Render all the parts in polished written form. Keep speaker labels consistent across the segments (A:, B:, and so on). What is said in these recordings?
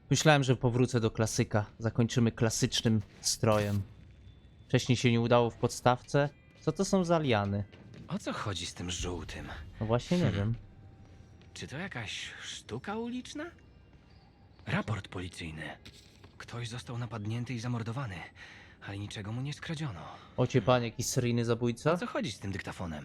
A: Myślałem, że powrócę do klasyka. Zakończymy klasycznym strojem. Wcześniej się nie udało w podstawce. Co to są za liany?
B: O co chodzi z tym żółtym?
A: No właśnie nie wiem.
B: Czy to jakaś sztuka uliczna? Raport policyjny. Ktoś został napadnięty i zamordowany, ale niczego mu nie skradziono.
A: Ocie pan, jakiś seryjny
B: O
A: zabójca?
B: co chodzi z tym dyktafonem?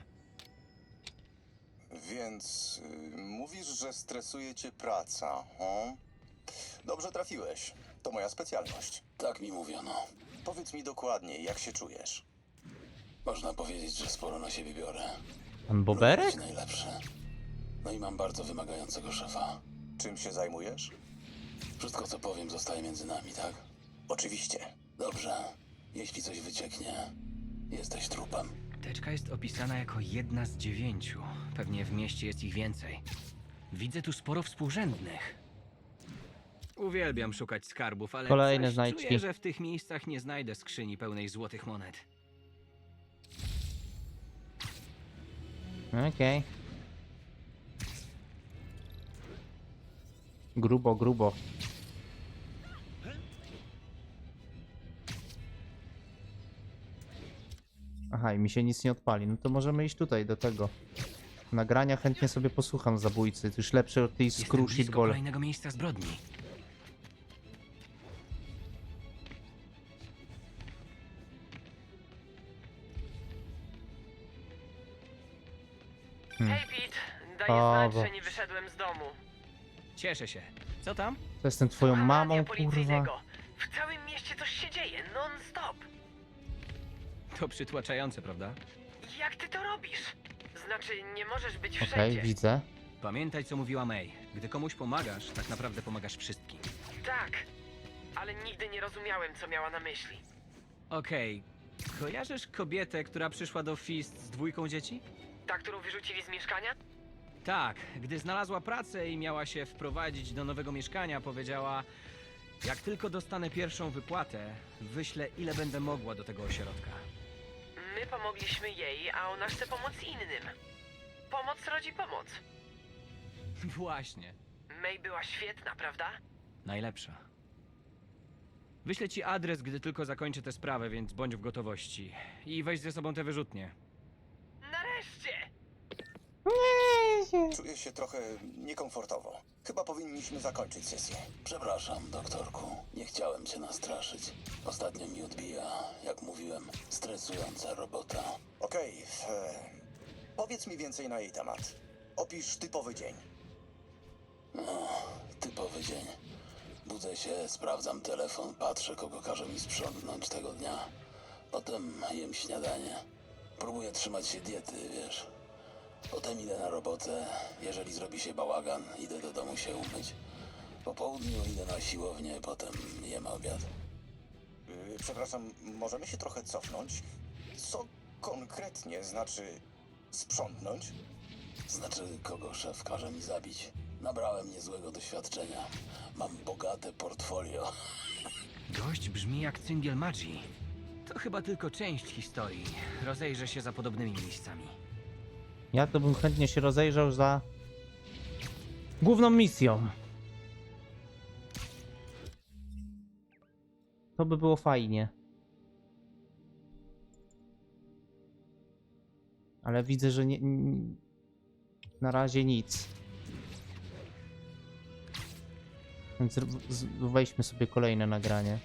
C: Więc mówisz, że stresuje cię praca, hmm? Dobrze trafiłeś. To moja specjalność.
D: Tak mi mówiono.
C: Powiedz mi dokładnie, jak się czujesz.
D: Można powiedzieć, że sporo na siebie biorę.
A: Pan
D: Lubię
A: Boberek?
D: być najlepszy. No i mam bardzo wymagającego szefa.
C: Czym się zajmujesz?
D: Wszystko, co powiem, zostaje między nami, tak?
C: Oczywiście.
D: Dobrze. Jeśli coś wycieknie, jesteś trupem.
B: Teczka jest opisana jako 1 z 9. Pewnie w mieście jest ich więcej. Widzę tu sporo współrzędnych. Uwielbiam szukać skarbów, ale
A: Kolejne
B: coś
A: znajdźki.
B: czuję, że w tych miejscach nie znajdę skrzyni pełnej złotych monet.
A: Okej. Grubo, grubo. Aha, i mi się nic nie odpali. No to możemy iść tutaj, do tego. Nagrania chętnie sobie posłucham zabójcy. To już lepsze od tej
B: Jestem
A: skru
B: blisko
A: shitball.
B: kolejnego miejsca zbrodni.
E: Hej Pete, daj
A: O,
E: znać,
A: bo-
E: że nie wyszedłem z domu.
B: Cieszę się. Co tam?
A: To jestem twoją
E: Słucham
A: mamą,
E: radia
A: kurwa.
E: policyjnego. W całym mieście coś się dzieje, non-stop.
B: To przytłaczające, prawda?
E: Jak ty to robisz? Znaczy, nie możesz być
A: Okej,
E: wszędzie.
A: widzę.
B: Pamiętaj, co mówiła May. Gdy komuś pomagasz, tak naprawdę pomagasz wszystkim.
E: Tak, ale nigdy nie rozumiałem, co miała na myśli.
B: Okej. Kojarzysz kobietę, która przyszła do Fist z 2 dzieci?
E: Ta, którą wyrzucili z mieszkania?
B: Tak, gdy znalazła pracę i miała się wprowadzić do nowego mieszkania, powiedziała: jak tylko dostanę pierwszą wypłatę, wyślę ile będę mogła do tego ośrodka.
E: My pomogliśmy jej, a ona chce pomóc innym. Pomoc rodzi pomoc.
B: Właśnie.
E: May była świetna, prawda?
B: Najlepsza. Wyślę ci adres, gdy tylko zakończę tę sprawę, więc bądź w gotowości. I weź ze sobą te wyrzutnie.
E: Nareszcie!
C: Czuję się trochę niekomfortowo. Chyba powinniśmy zakończyć sesję.
D: Przepraszam, doktorku. Nie chciałem cię nastraszyć. Ostatnio mi odbija, jak mówiłem, stresująca robota.
C: Okej, powiedz mi więcej na jej temat. Opisz typowy dzień.
D: Typowy dzień. Budzę się, sprawdzam telefon, patrzę, kogo każe mi sprzątnąć tego dnia. Potem jem śniadanie. Próbuję trzymać się diety, wiesz. Potem idę na robotę. Jeżeli zrobi się bałagan, idę do domu się umyć. Po południu idę na siłownię, potem jem obiad.
C: Przepraszam, możemy się trochę cofnąć? Co konkretnie znaczy sprzątnąć?
D: Znaczy, kogo szef każe mi zabić. Nabrałem niezłego doświadczenia. Mam bogate portfolio.
B: Gość brzmi jak cyngiel magii. To chyba tylko część historii. Rozejrzę się za podobnymi miejscami.
A: Ja to bym chętnie się rozejrzał za główną misją. To by było fajnie. Ale widzę, że na razie nic. Więc weźmy sobie kolejne nagranie.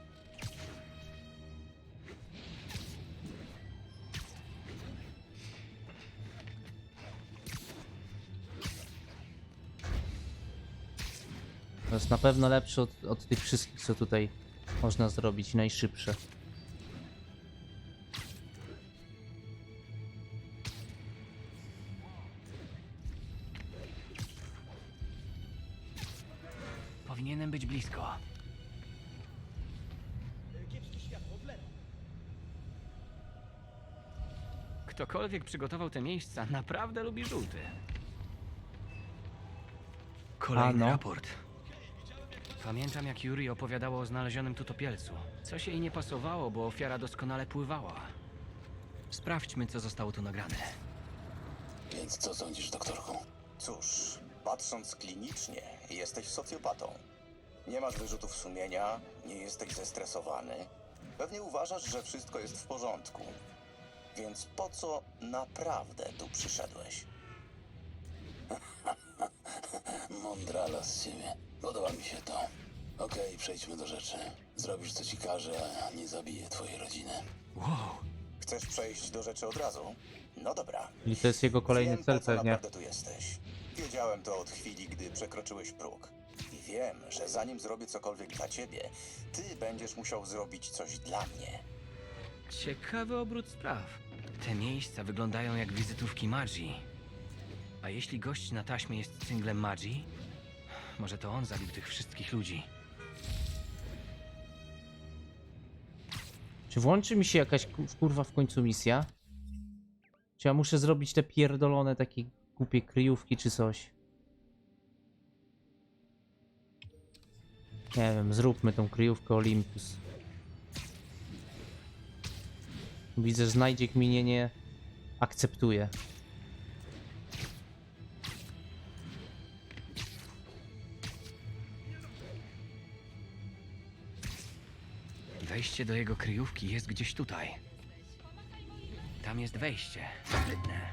A: To jest na pewno lepsze od tych wszystkich, co tutaj można zrobić, najszybsze.
B: Powinienem być blisko. Ktokolwiek przygotował te miejsca, naprawdę lubi żółty. Kolejny
A: A, no.
B: raport. Pamiętam, jak Yuri opowiadała o znalezionym tu topielcu. Coś jej nie pasowało, bo ofiara doskonale pływała. Sprawdźmy, co zostało tu nagrane.
D: Więc co sądzisz, doktorku?
C: Cóż, patrząc klinicznie, jesteś socjopatą. Nie masz wyrzutów sumienia, nie jesteś zestresowany. Pewnie uważasz, że wszystko jest w porządku. Więc po co naprawdę tu przyszedłeś?
D: Mądrala z ciebie. Podoba mi się to. Okej, przejdźmy do rzeczy. Zrobisz co ci każę, a nie zabiję twojej rodziny.
B: Wow.
C: Chcesz przejść do rzeczy od razu? No dobra.
A: I to jest jego kolejny
C: Wiem,
A: cel
C: po co
A: pewnie.
C: naprawdę tu jesteś. Wiedziałem to od chwili, gdy przekroczyłeś próg. I wiem, że zanim zrobię cokolwiek dla ciebie, ty będziesz musiał zrobić coś dla mnie.
B: Ciekawy obrót spraw. Te miejsca wyglądają jak wizytówki Magi. A jeśli gość na taśmie jest singlem Magi, może to on zabił tych wszystkich ludzi.
A: Czy włączy mi się jakaś kurwa w końcu misja? Czy ja muszę zrobić te pierdolone takie głupie kryjówki czy coś? Nie wiem, zróbmy tą kryjówkę Olympus. Widzę, że znajdzie kminie nie akceptuje.
B: Wejście do jego kryjówki jest gdzieś tutaj. Tam jest wejście. Sprytne.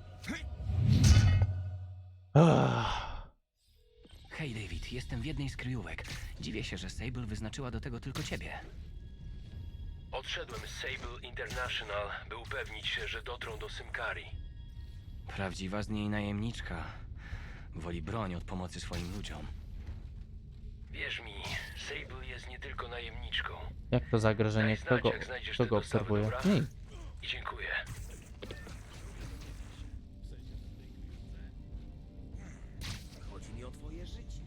B: Hej, David, jestem w jednej z kryjówek. Dziwię się, że Sable wyznaczyła do tego tylko ciebie.
F: Odszedłem z Sable International, by upewnić się, że dotrą do Symkari.
B: Prawdziwa z niej najemniczka. Woli broń od pomocy swoim ludziom.
F: Wierz mi, Sable jest nie tylko najemniczką.
A: Jak to zagrożenie?
F: Daj
A: Kto
F: znać,
A: go,
F: jak znajdziesz
A: kto
F: te
A: go
F: dostawy,
A: obserwuje?
F: dobra?
A: Nie.
F: I dziękuję.
G: Chodzi mi o twoje życie.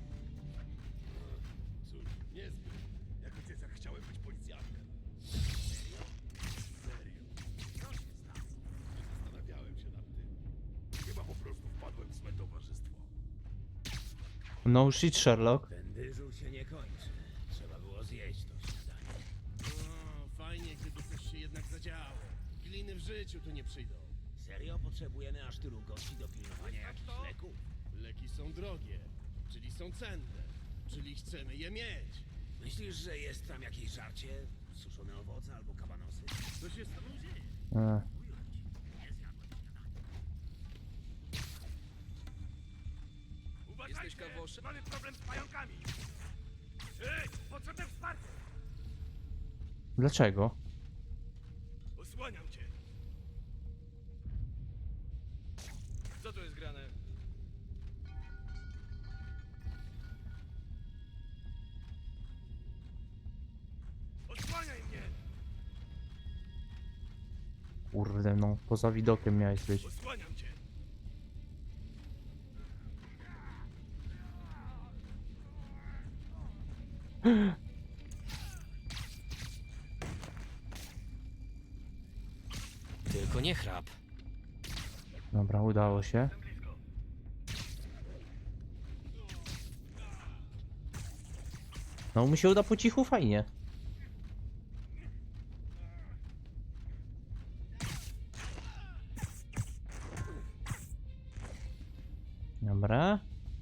G: Cóż, niezbyt. Jako dzieciak chciałem być policjantem. Serio? Serio. Co się stało? Zastanawiałem się nad tym. Chyba po prostu wpadłem w złe towarzystwo.
A: No shit, Sherlock.
G: Ten dyżur się nie kończy. Trzeba było zjeść to śniadanie. No, fajnie, gdyby coś się jednak zadziało. Gliny w życiu tu nie przyjdą.
H: Serio potrzebujemy aż tylu gości do pilnowania jakichś leków?
G: Leki są drogie, czyli są cenne, czyli chcemy je mieć.
H: Myślisz, że jest tam jakieś żarcie? Suszone owoce albo kabanosy?
G: Co się z tobą dzieje? Jesteś kawoszem? Mamy problem z pająkami. Ej, potrzebne wsparcie!
A: Dlaczego?
G: Osłaniam cię. Co tu jest grane? Osłaniaj mnie!
A: Kurde, no poza widokiem miałeś być.
G: Osłaniam cię!
B: Tylko nie chrap.
A: Dobra, udało się. No mu się uda po cichu, fajnie. Dobra.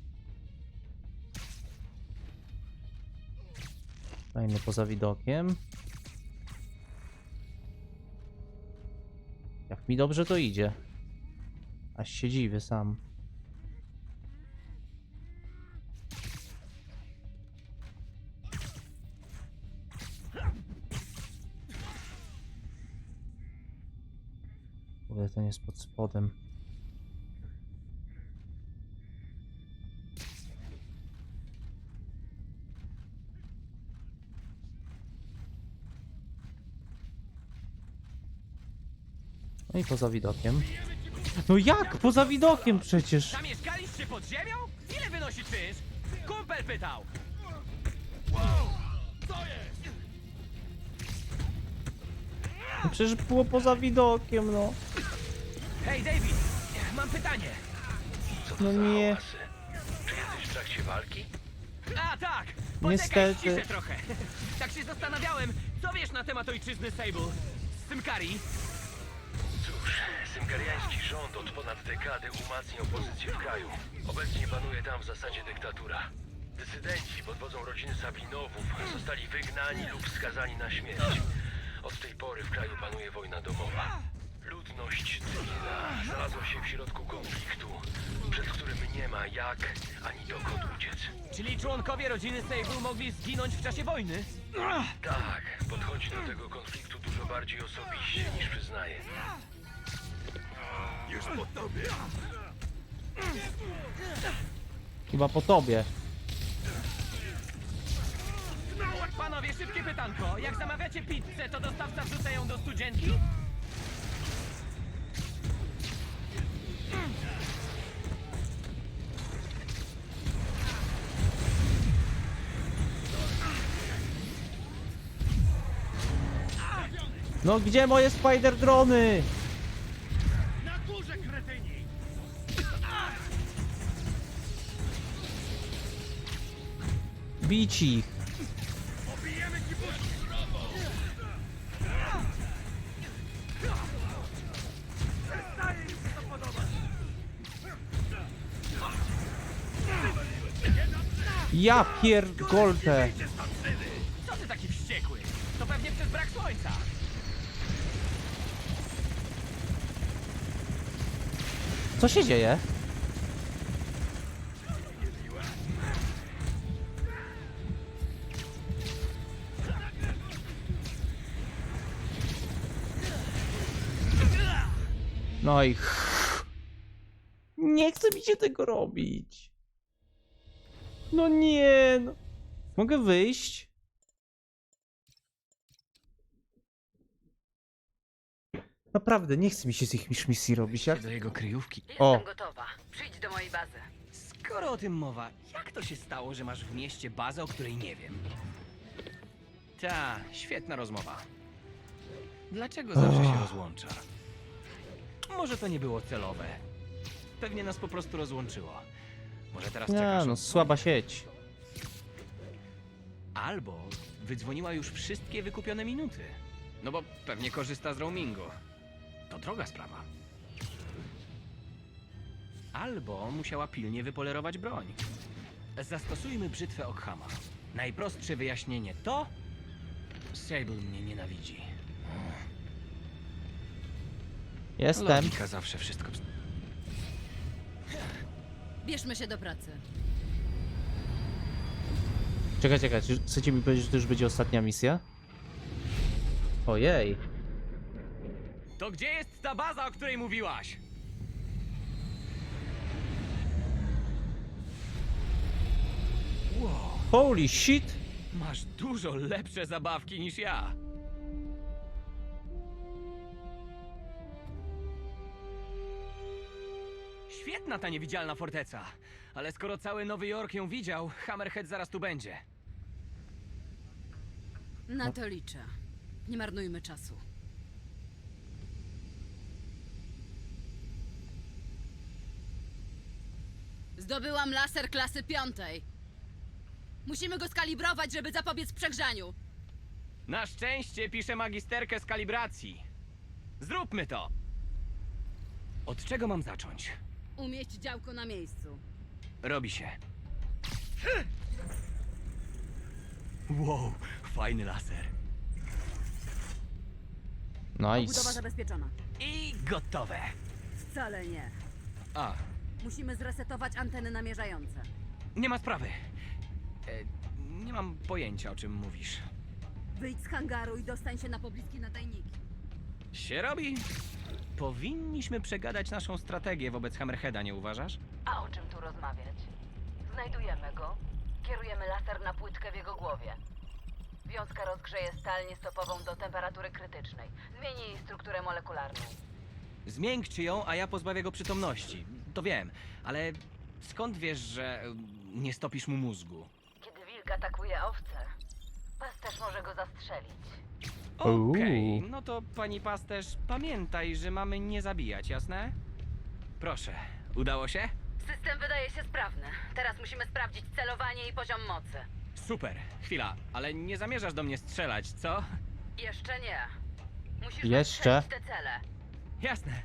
A: Fajnie poza widokiem. Jak mi dobrze to idzie. Aż się dziwię sam. Kurde, ten jest pod spodem. No i poza widokiem. No jak? Poza widokiem przecież!
B: Zamieszkaliście pod ziemią? Ile wynosi czynsz? Kumpel pytał!
A: No przecież było poza widokiem, no.
B: Hej, David! Mam pytanie.
F: Co to
A: No
F: za
A: nie.
F: hałasy? Czy jesteś w trakcie walki?
B: A tak!
A: Niestety.
B: Poczekaj, ciszę trochę. Tak się zastanawiałem, co wiesz na temat ojczyzny Sable? Z Symkari?
F: Cóż, symkariański rząd od ponad dekady umacniał pozycję w kraju. Obecnie panuje tam w zasadzie dyktatura. Dysydenci pod wodzą rodziny Sabinowów zostali wygnani lub skazani na śmierć. Od tej pory w kraju panuje wojna domowa. Ludność cywilna znalazła się w środku konfliktu, przed którym nie ma jak ani dokąd uciec.
B: Czyli członkowie rodziny Sable mogli zginąć w czasie wojny?
F: Tak, podchodzi do tego konfliktu dużo bardziej osobiście niż przyznaje.
G: Już po tobie!
A: Chyba po tobie.
B: Panowie, szybkie pytanko. Jak zamawiacie pizzę, to dostawca wrzuca ją do studzienki?
A: No gdzie moje spider drony?
G: Na górze, kretyni!
A: Bić ich.
G: Pobijemy ci buźki! Przestaje im się to podobać!
A: Ja pierdolę.
B: Co ty taki wściekły? To pewnie przez brak słońca.
A: Co się dzieje? No i nie chce mi się tego robić. No nie, no. Mogę wyjść? Naprawdę, nie chce mi się z ich misji robić. Jak...
B: Do jego kryjówki.
A: O.
E: Jestem gotowa. Przyjdź do mojej bazy.
B: Skoro o tym mowa, jak to się stało, że masz w mieście bazę, o której nie wiem? Ta, świetna rozmowa. Dlaczego zawsze się rozłącza? Może to nie było celowe. Pewnie nas po prostu rozłączyło. Może teraz
A: Nie,
B: czekasz...
A: no słaba sieć.
B: Albo wydzwoniła już wszystkie wykupione minuty. No bo pewnie korzysta z roamingu. To droga sprawa. Albo musiała pilnie wypolerować broń. Zastosujmy brzytwę Ockhama. Najprostsze wyjaśnienie to... Sable mnie nienawidzi.
A: Jestem.
B: Logika zawsze wszystko...
I: Bierzmy się do pracy.
A: Czekaj, czy chcecie mi powiedzieć, że to już będzie ostatnia misja? Ojej.
B: To gdzie jest ta baza, o której mówiłaś? Wow,
A: Holy shit!
B: masz dużo lepsze zabawki niż ja. Świetna ta niewidzialna forteca. Ale skoro cały Nowy Jork ją widział, Hammerhead zaraz tu będzie.
I: Na to liczę. Nie marnujmy czasu. Zdobyłam laser klasy 5. Musimy go skalibrować, żeby zapobiec przegrzaniu.
B: Na szczęście piszę magisterkę z kalibracji. Zróbmy to! Od czego mam zacząć?
I: Umieść działko na miejscu.
B: Robi się. Wow, fajny laser.
I: Budowa
A: Nice.
I: zabezpieczona.
B: I gotowe.
I: Wcale nie.
B: A,
I: Musimy zresetować anteny namierzające.
B: nie ma sprawy. Nie mam pojęcia, o czym mówisz.
I: Wyjdź z hangaru i dostań się na pobliskie nadajniki.
B: Się robi. Powinniśmy przegadać naszą strategię wobec Hammerheada, nie uważasz?
I: A o czym tu rozmawiać? Znajdujemy go. Kierujemy laser na płytkę w jego głowie. Wiązka rozgrzeje stal niestopową do temperatury krytycznej. Zmieni jej strukturę molekularną.
B: Zmiękczy ją, a ja pozbawię go przytomności. To wiem, ale skąd wiesz, że nie stopisz mu mózgu?
I: Kiedy wilk atakuje owce, pasterz może go zastrzelić.
B: Okej, no to pani pasterz, pamiętaj, że mamy nie zabijać, jasne? Proszę, udało się?
I: System wydaje się sprawny. Teraz musimy sprawdzić celowanie i poziom mocy.
B: Super, chwila, ale nie zamierzasz do mnie strzelać, co?
I: Jeszcze nie. Musisz
A: Jeszcze?
I: nastrzelić te cele.
B: Jasne.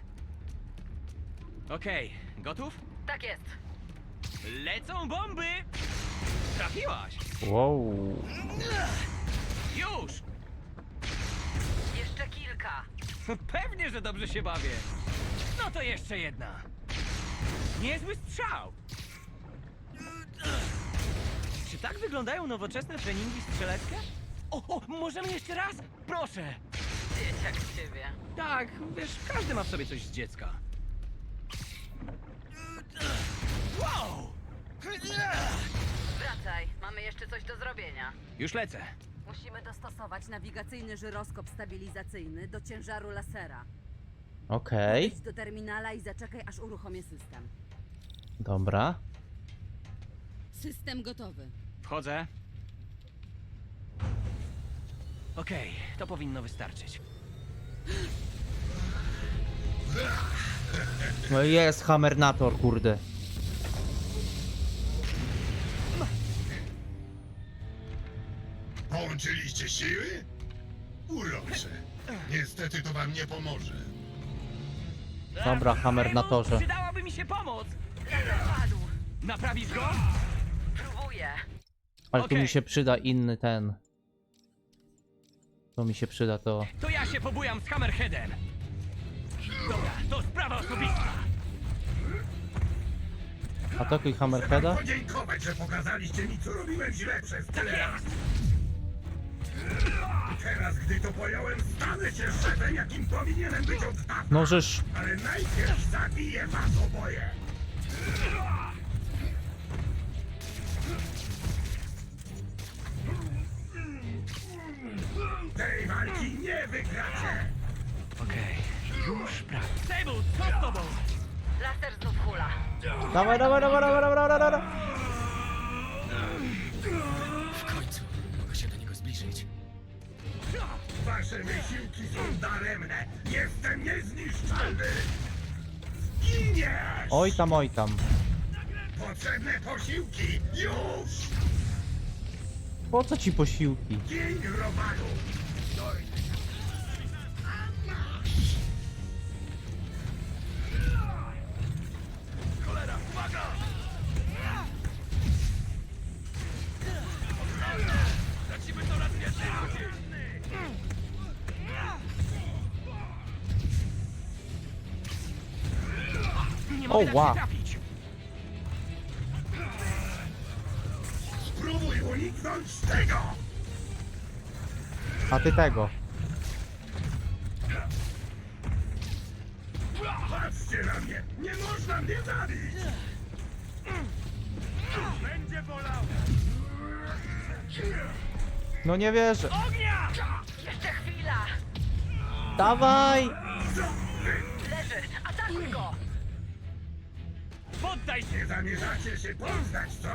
B: Okej, gotów?
I: Tak jest.
B: Lecą bomby! Trafiłaś!
A: Wow.
B: Już!
E: Jeszcze kilka.
B: Pewnie, że dobrze się bawię. No to jeszcze jedna. Niezły strzał! Czy tak wyglądają nowoczesne treningi strzeleckie? O, możemy jeszcze raz? Proszę!
E: Dzieciak z ciebie.
B: Tak, wiesz, każdy ma w sobie coś z dziecka. Wow!
I: Wracaj, mamy jeszcze coś do zrobienia.
B: Już lecę.
I: Musimy dostosować nawigacyjny żyroskop stabilizacyjny do ciężaru lasera.
A: Okej.
I: Idź do terminala i zaczekaj, aż uruchomię system.
A: Dobra.
I: System gotowy.
B: Wchodzę. Okej, to powinno wystarczyć.
A: No i jest Hammernator, kurde.
G: Połączyliście siły? Urocze. Niestety to wam nie pomoże.
A: Dobra, Hammernatorze.
B: Przydałaby mi się pomoc!
E: Padł.
B: Naprawisz go?
E: Próbuję.
A: Ale tu
B: Okej.
A: mi się przyda inny ten. To mi się przyda to.
B: To ja się pobujam z Hammerheadem. Dobra, to sprawa osobista.
A: Atakuj Hammerheada.
G: Podziękować, że pokazaliście mi, co robiłem źle przez tyle lat. Teraz, gdy to pojąłem, stanę się szefem, jakim powinienem być od dawna.
A: No żeż.
G: Ale najpierw zabiję was oboje. Tej walki nie wygracie.
B: Okej, już prawie. Sable, co z tobą?
I: Laser znów hula.
A: Dawaj, dawaj, dawaj, dawaj, dawaj, dawaj, dawaj.
H: W końcu mogę się do niego zbliżyć.
G: Wasze wysiłki są daremne. Jestem niezniszczalny. Zginiesz!
A: Oj tam, oj tam.
G: Potrzebne posiłki! Już!
A: Po co ci posiłki?
G: Dzień robalu! Cholera, uwaga! Lecimy coraz więcej ludzi!
B: Nie
A: O,
B: mogę dać
A: wow.
B: się trafić.
G: Spróbuj uniknąć tego!
A: A ty tego.
G: Patrzcie na mnie! Nie można mnie zabić! Będzie bolał!
A: No nie wierzę.
B: Ognia!
E: Jeszcze chwila.
A: Dawaj!
E: Leży. Atakuj go.
B: Poddaj się!
G: Nie zamierzacie się poddać, co?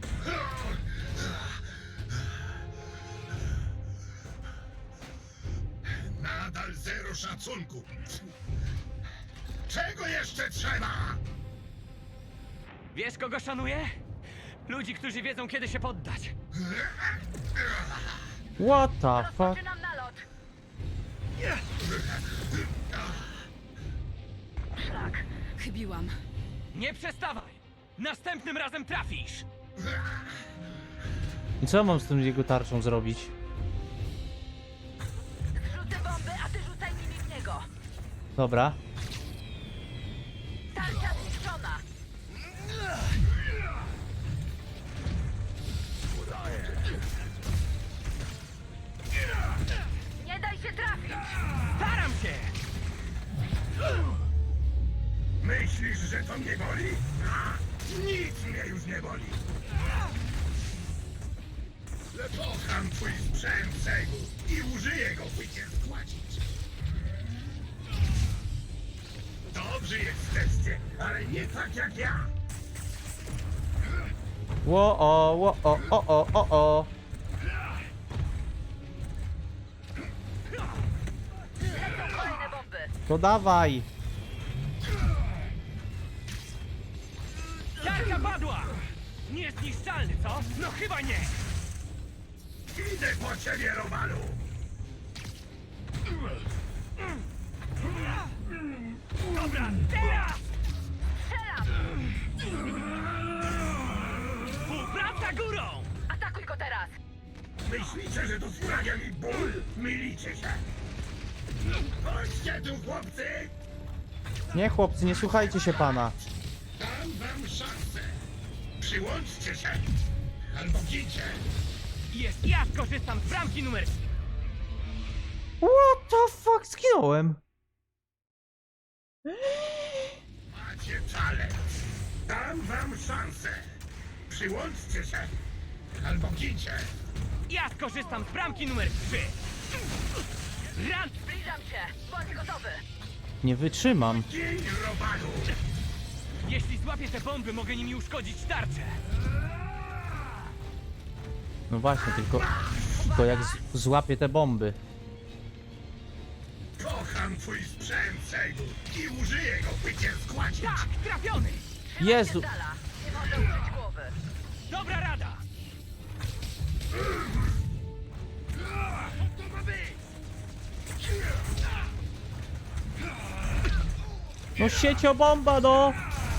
G: Nadal zero szacunku. Czego jeszcze trzeba?
B: Wiesz, kogo szanuję? Ludzi, którzy wiedzą, kiedy się poddać.
A: What the fuck?
E: Rozpoczynam nalot. Szlak.
I: Chybiłam.
B: Nie przestawaj! Następnym razem trafisz!
A: I co ja mam z tym jego tarczą zrobić?
E: Zrzucę bomby, a ty rzucaj nimi w niego.
A: Dobra.
E: Tarcza zniszczona. Nie daj się trafić.
B: Staram się!
G: Myślisz, że to mnie boli? A, nic mnie już nie boli. Kocham twój sprzęt, Segu, i użyję go, by cię składzić. Dobrzy jesteście, ale nie tak jak ja.
A: Ło o.
E: Lecą kolejne bomby.
A: To dawaj.
B: Tarka padła! Niezniszczalny, co? No chyba nie!
G: Idę po ciebie, Robalu.
B: Dobra, teraz!
E: Strzelam.
B: Współpraca górą!
I: teraz?
G: Myślicie, że to sprawia mi ból? Mylicie się! Chodźcie tu, chłopcy!
A: Nie, chłopcy, nie słuchajcie się pana.
G: Dam wam szansę! Przyłączcie się! Albo gincie!
B: Jest, ja skorzystam z bramki numer...
A: What the fuck? Zginąłem.
G: Macie talent! Dam wam szansę! Przyłączcie się! Albo gincie!
B: Ja skorzystam z bramki numer 3! Run!
I: Zbliżam się! Bądź gotowy!
A: Nie wytrzymam.
G: Gin, robadu!
B: Jeśli złapię te bomby, mogę nimi uszkodzić tarczę!
A: No właśnie, tylko jak złapię te bomby.
G: Kocham twój sprzęt, Sejdu! I użyję go, by cię składzić!
B: Tak, trafiony!
A: Jezu.
I: Z dala! Nie można użyć głowy!
B: Dobra rada!
G: Co to ma być?
A: No sieciobomba, no!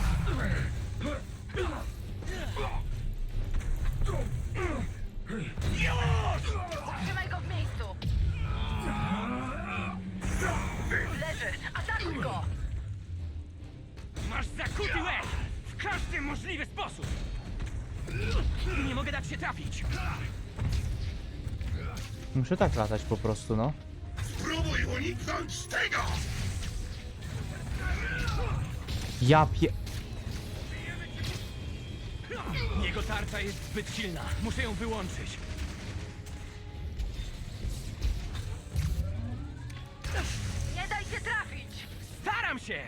I: Trzymaj go w miejscu! Leży! Atakuj go!
B: Masz zakuty łeb! W każdy możliwy sposób! Nie mogę dać się trafić!
A: Muszę tak latać po prostu, no.
G: Spróbuj uniknąć tego!
A: Ja pie...
B: Jego tarcza jest zbyt silna. Muszę ją wyłączyć.
I: Nie daj się trafić!
B: Staram się!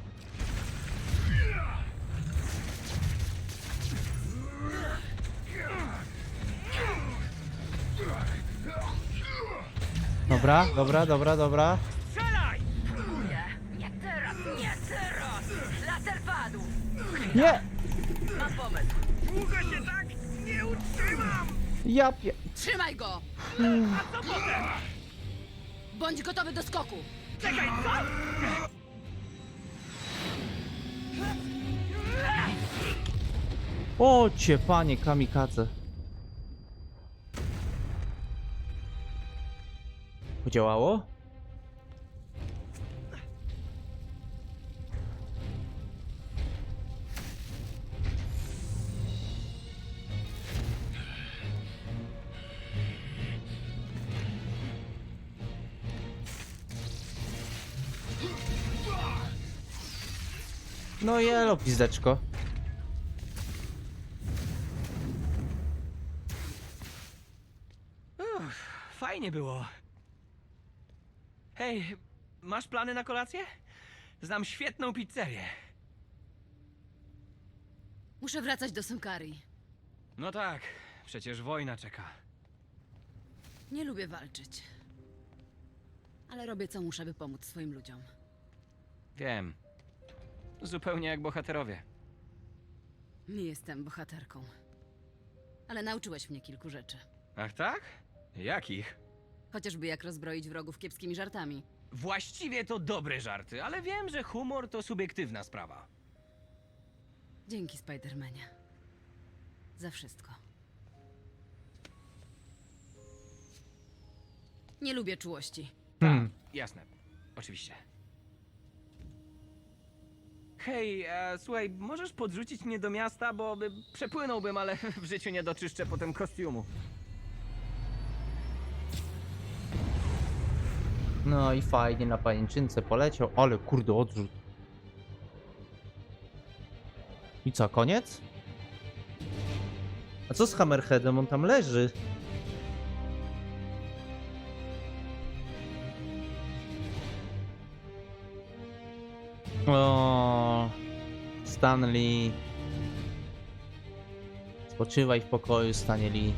A: Dobra, dobra, dobra, dobra.
B: Strzelaj!
I: Próbuję! Nie teraz! Nie teraz! Laser padł!
A: Nie!
I: Mam pomysł!
B: Długo się tak nie utrzymam!
A: Ja pie...
I: Trzymaj go!
B: A co potem?
I: Bądź gotowy do skoku!
B: Czekaj, co?
A: O cię, panie kamikadze. Podziałało? No jelo, pizdeczko.
B: Fajnie było. Hej, masz plany na kolację? Znam świetną pizzerię.
I: Muszę wracać do Sunkari.
B: No tak, przecież wojna czeka.
I: Nie lubię walczyć. Ale robię co muszę, by pomóc swoim ludziom.
B: Wiem. Zupełnie jak bohaterowie.
I: Nie jestem bohaterką. Ale nauczyłeś mnie kilku rzeczy.
B: Ach tak? Jakich?
I: Chociażby jak rozbroić wrogów kiepskimi żartami.
B: Właściwie to dobre żarty, ale wiem, że humor to subiektywna sprawa.
I: Dzięki, Spidermanie. Za wszystko. Nie lubię czułości.
B: Jasne. Oczywiście. Hej, słuchaj, możesz podrzucić mnie do miasta, bo przepłynąłbym, ale w życiu nie doczyszczę potem kostiumu.
A: No i fajnie na pajęczynce poleciał, ale kurde odrzut. I co, koniec? A co z Hammerheadem? On tam leży. O, Stanley. Spoczywaj w pokoju, Stanley.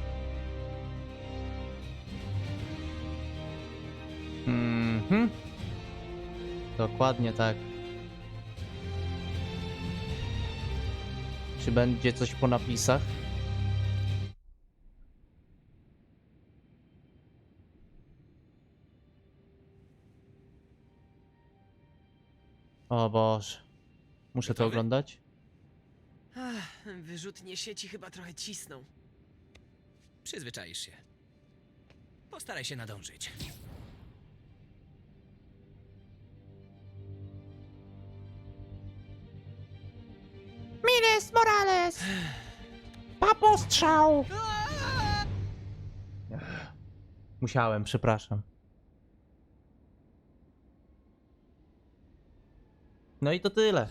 A: Mhm. Dokładnie tak. Czy będzie coś po napisach? O Boże. Muszę to
B: Gotowy?
A: oglądać?
E: Wyrzutnie sieci chyba trochę cisną.
H: Przyzwyczaisz się. Postaraj się nadążyć.
A: Miles Morales! Papo strzał! Musiałem, przepraszam. No i to tyle.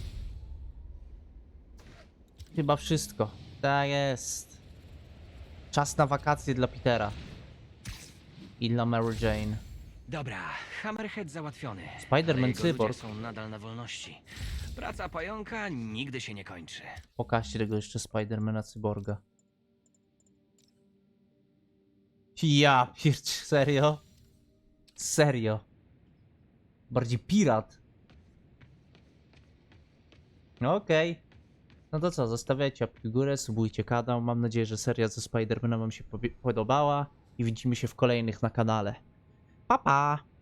A: Chyba wszystko. Tak jest. Czas na wakacje dla Petera. I dla Mary Jane.
B: Dobra, Hammerhead załatwiony.
A: Spider-Man
B: Ale jego ludzie
A: cyborg.
B: są nadal na wolności. Praca pająka nigdy się nie kończy.
A: Pokażcie tego jeszcze Spidermana cyborga. Ja piercz, serio? Serio? Bardziej pirat. No okej. No to co, zostawiajcie łapki w górę, subujcie kanał. Mam nadzieję, że seria ze Spidermanem wam się podobała. I widzimy się w kolejnych na kanale. Pa pa!